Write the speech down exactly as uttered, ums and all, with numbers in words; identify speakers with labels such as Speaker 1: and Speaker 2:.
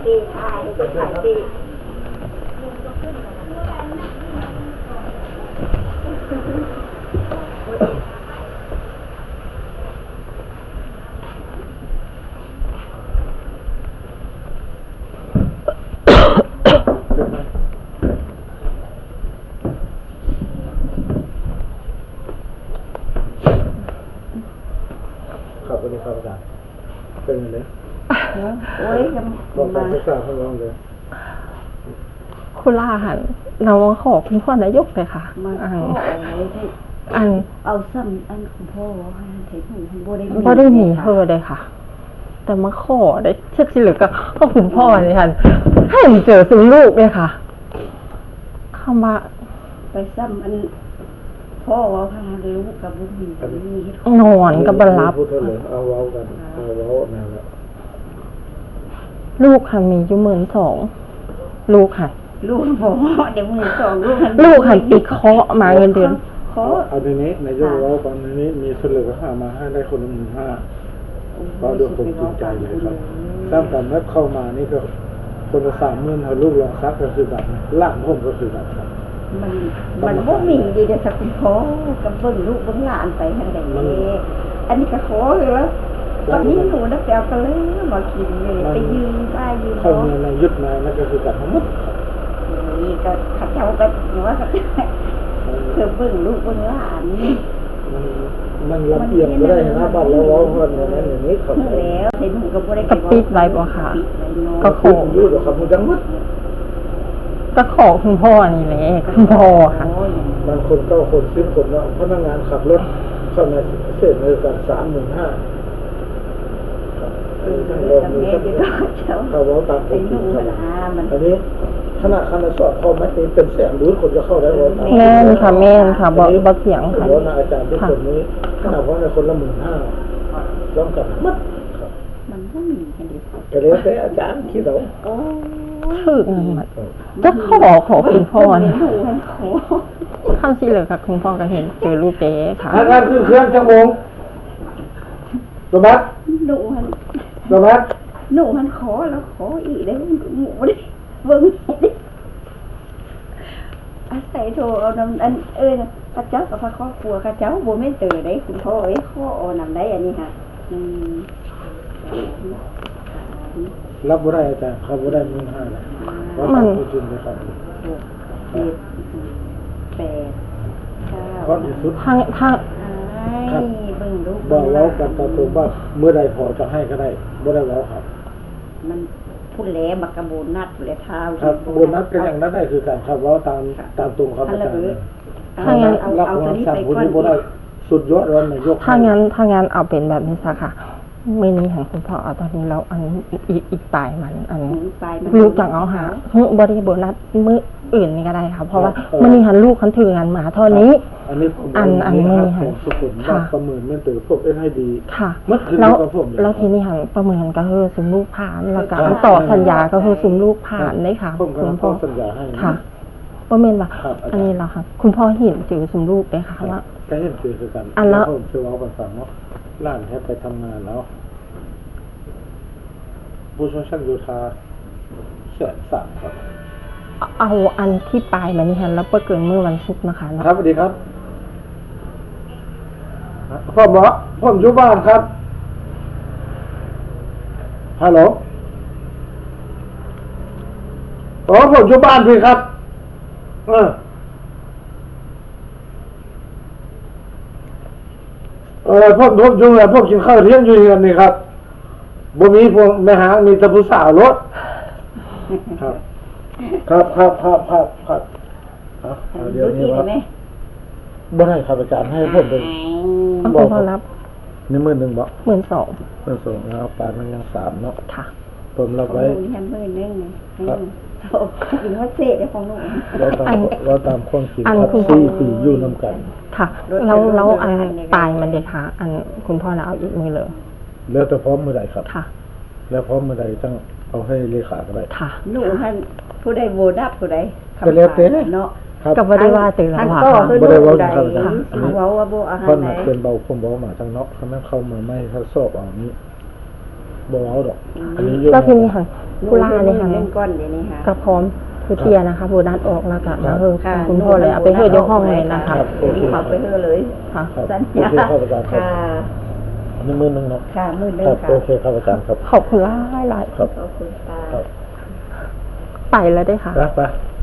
Speaker 1: ปีขายก็ขายปี
Speaker 2: ขับไปในความสะอาดเป็นไงเลย
Speaker 1: โอ้ยจะ
Speaker 2: บอกการ
Speaker 1: มา
Speaker 2: ศึกษาของเราเลย
Speaker 3: คุณล่าหันเราขอคุณพ่อนายกเลยค่ะ
Speaker 1: มา
Speaker 3: อัน
Speaker 1: ขออะไรที่
Speaker 3: อัน
Speaker 1: เอาซ้ำอันคุณพ่อให้เทคนิคบ่ได้
Speaker 3: บ่ได้หนีเธอเลยค่ะ แต่มาขอได้เช็คสิเหลือก็ก็คุณพ่อนี่ค่ะให้มันเจอซึ่งลูกเลยค่ะเข้ามา
Speaker 1: ไปซ้ำอันพ่อว่าพาลูกกับลูกมีมีเฮ็ด
Speaker 3: นอนกับบรรลับ
Speaker 2: พูดเถอะเลยเอาเว้ากันเอาเว้าแนวแล้ว
Speaker 3: ลูกค่ะมีอยู่หมื่นสองลูกค่ะ
Speaker 1: ลูกพ่อเดี๋ยวมือสองลูก
Speaker 3: ลูกหันปีเคาะมาเงินเดือน
Speaker 1: ขอ
Speaker 2: เอาในนี้ในยกเว้าตอนนี้มีเสลือหามาให้ได้คนละหมื่นห้าก็ด้วยความจริงใจเลยครับสร้างกันแล้วเข้ามานี่ก็คนละสามหมื่นเอาลูกลองซักก็คือแบบล่างผมก็คือแบบครับ
Speaker 1: มันมันบ่มีดีเด้อสักคุณพ่อกับเบิ่งลูกเบิ่งหลานไปทางใดอันนี้ก็ขอเหรอตอนนี้หนูนักแปลกันเลยมากินเลยไปยืมป้ายยืม
Speaker 2: เข้ามาในยึดมานั่นก็คือแบบทั้งหมดครับ
Speaker 1: นี่ก็ขัดเจ้าก็หรือว่าก็เพื่อเบิ่งลูกเบิ่งหลาน
Speaker 2: มันมันลำเอียงก็ได้นะบ้านเราเว้าเพิ่นอย่างนั้นอย่างนี้ครับ
Speaker 1: แล้วเห็นหนูก็บ่ได้
Speaker 3: ก็ปิดไว้บ่ค่ะ ก็ข
Speaker 2: คุ
Speaker 3: อ
Speaker 2: ณอยู่กับคำพูดจังหวัด
Speaker 3: ก็ขอคุณพ่อนี่แหละคุณพ่อค่ะ
Speaker 2: บางคนก็คนซื้อคนเนาะพนักงานขับรถเข้ามาเส้นในการสามหมื่นห้าเขาว่าตามผมจริงครับอันนี้ขนาดคณะสอบเขาไม่เป็นแสนรู้คนจะเข้าได้ว่า
Speaker 3: แม่นค่ะแม่นค่ะบ่บ่เสียงค่ะ
Speaker 2: เพราะอาจารย์ทุกคนนี้ขนาดว่าในคนละหมื่นห้าร่วมกันมัดครับ
Speaker 1: มันก็มีกันดิ
Speaker 2: ก็เลยแต่อาจารย์คิดเอา
Speaker 1: โอ้
Speaker 3: คือเงินมาจะขอขอคุณพ่อนี่
Speaker 1: หนูมันขอ
Speaker 3: ข้ามสิเลยค่ะคุณพ่อก็เห็นเจอลูกเจ๊ค่ะ
Speaker 2: ทางานคือเครื่องชั่วโมงสมัติ
Speaker 1: หนูมัน
Speaker 2: สมัติ
Speaker 1: หนูมันขอแล้วขออีกได้หมูได้เบิ่งดิอาศัยโทรเอานำอันเอ้ยกระเจ้ากับพระครอบครัวกระเจ้าบ่แม่นเตอได้คุณพ่อเอ้ยข้อเอานำได้อันนี้ค่ะอืม
Speaker 2: รับบ่ได้อาจารย์ครับบ่ได้หมื่นห้าเลยว่าตามผู้จริงเลยครับ
Speaker 1: หกเจ็ดแปดเก้า
Speaker 2: เพราะที่สุด
Speaker 3: ทางทาง
Speaker 1: ไอ้เบิ่งลูก
Speaker 2: บอกเว้ากันตามตรงว่าเมื่อใดพอจะให้ก็ได้บ่ได้เว้าครับ
Speaker 1: มันพูดแหลมักกะโบนัดแหลเท้า
Speaker 2: ครับโบนัสก็อย่างนั้นได้คือการครับเว้าตามตามตรงครับอาจารย์
Speaker 1: ถ้างั้นเอา
Speaker 2: รับ
Speaker 1: เอา
Speaker 2: ควา
Speaker 1: ตัว
Speaker 2: ม
Speaker 1: นี้
Speaker 2: สั่ง
Speaker 1: ไป
Speaker 2: ผู้
Speaker 1: ก่อน
Speaker 2: นี้บ่ได้สุดยอดแล้วนายก
Speaker 3: ถ้างั้นถ้างั้นเอาเป็นแบบนี้ซะค่ะไม่นี้ของคุณพ่อเอาตอนนี้แล้วอันอีกอีกปลายมันอัน
Speaker 1: ไปมัน
Speaker 3: ลูกจังเอาหาเฮ้ยบริโบนัสมื้ออื่นนี่ก็ได้ค่ะเพราะว่ามันนี่หันลูกคันถืองานมาเท่านี้
Speaker 2: อันนี้ผม
Speaker 3: อันอัน
Speaker 2: นี้
Speaker 3: มื้อ
Speaker 2: ค
Speaker 3: นี้
Speaker 2: รับ
Speaker 3: หัน
Speaker 2: ผมสุขุมว่าประเมินแม่นตือพวกเอ็นให้ดี
Speaker 3: ค่ะ
Speaker 2: เมื่อคืน
Speaker 3: แล้ว
Speaker 2: กับผมเลย
Speaker 3: แล้วทีนี้หันประเมินก็คือสุมลูกผ่านแล้วก็ต่อสัญญาก็คือสุมลูกผ่านได้ค่ะ
Speaker 2: ผมก็
Speaker 3: คุณ
Speaker 2: ต้
Speaker 3: พ่อ
Speaker 2: องสัญญาให้นะ
Speaker 3: ค่ะประเมินว่า
Speaker 2: ครับอาจารย์
Speaker 3: อันนี้เราค่ะ คุณพ่อเห็นจือสุมลูกได้ค่ะว่า
Speaker 2: ก็เห็นคือคือกัน
Speaker 3: อันละ
Speaker 2: ผมเชื่อว่าภาษาเนาะล้านแทบไปทำงานแล้วผู้ช่วยช่างโยธาแสนสามครับ
Speaker 3: เอาอันที่ปลายมันนี่หันแล้วเปิดเกินเมื่อวันศุกร์นะคะเนาะ
Speaker 2: ครับสวัสดีครับพ่อหมอผมอยู่บ้านครับฮัลโหลอ๋อผมอยู่บ้านพี่ครับเออเออพวกพวกจุงเลยพวกกินข้าวเที่ยงอยู่กันนี่ครับบ่มีพวกแม่หางมีแต่ผู้สาวรถครับครับครับครับครับครับเอาเดี๋ยวนี้ว่าบ่ได้ครับอาจารย์ให้ผมไป
Speaker 3: เอาคุณพ่อรับ
Speaker 2: นี่หมื่นหนึ่งบ่
Speaker 3: หมื่นสอง
Speaker 2: หมื่นสองแล้วปานมันยังสามเนาะ
Speaker 3: ค่ะ
Speaker 2: ผมรับไว้
Speaker 1: หนูยันมือนึงครับกินว่าเศษได้ของหนู
Speaker 2: เราตามเราตามความจริง
Speaker 3: อัน
Speaker 2: ครับ
Speaker 3: คุณพ่อ
Speaker 2: สี่ปีอยู่นำกัน
Speaker 3: ค่ะเราเราอันปลายมันเด็กค่ะ อันคุณพ่อเราเอาอีกมือเลย
Speaker 2: แล้วแต่พร้อมเมื่อใดครับ
Speaker 3: ค่ะ
Speaker 2: แล้วพร้อมเมื่อใดต้องเอาให้เลขาก็ได้
Speaker 3: ค่ะ
Speaker 1: หนูท่านผู้ใดโบนับผู้ใด
Speaker 2: ก็แล้วแต่
Speaker 1: เนาะ
Speaker 2: ครับ
Speaker 3: กับว่าได้ว่าตื่นแล้ว
Speaker 1: ท่าน
Speaker 3: ค่ะ
Speaker 1: ก็คือ
Speaker 2: บ่ได้
Speaker 1: ลู
Speaker 2: เว้าก
Speaker 1: ใด
Speaker 2: ครับอาจารย์
Speaker 1: เขาเว้าว่าบ่อาหา
Speaker 2: เพิ่
Speaker 1: ร
Speaker 2: น
Speaker 1: ไหน
Speaker 2: น่ะเป็นเบาผมเบามาทางเนาะเขานั้นเข้ามาไม่เขาสอบเอานี้บ่เอาดอกอันนี้อยู่
Speaker 3: แล้วทีนี้ค่ะผู้ล่าเนี่ยค่ะ
Speaker 1: เล่นก้อนเดี๋ยวนี้ค่ะ
Speaker 3: ก็พร้อมผู้เทียนะคะผู้ด้านออกแล้วก็มาเฮอ
Speaker 1: ค่ะ
Speaker 3: คุณพ่อเลยเอาไปเฮอเดี๋ยวห้องเลยนะคะ
Speaker 1: เดี๋ยวนี้ขอไปเฮอเลย
Speaker 3: ค่ะ
Speaker 2: ครับ
Speaker 1: สัญ
Speaker 2: โอ
Speaker 1: ญา
Speaker 2: เคครับอาจารย์ครับ
Speaker 1: ค่ะ
Speaker 2: อันนี้มือหนึงเนาะ
Speaker 1: ค่ะมือหนึ
Speaker 2: ค
Speaker 1: ง
Speaker 2: รับ
Speaker 1: ค่ะ
Speaker 2: โอเคครับอาจารย์ครับ
Speaker 3: ขอบคุณหลายหลาย
Speaker 2: ครับ
Speaker 1: ขอบคุณค่ะ
Speaker 2: ครับ
Speaker 3: ไปแล้วได้ค่ะ
Speaker 2: ไปไป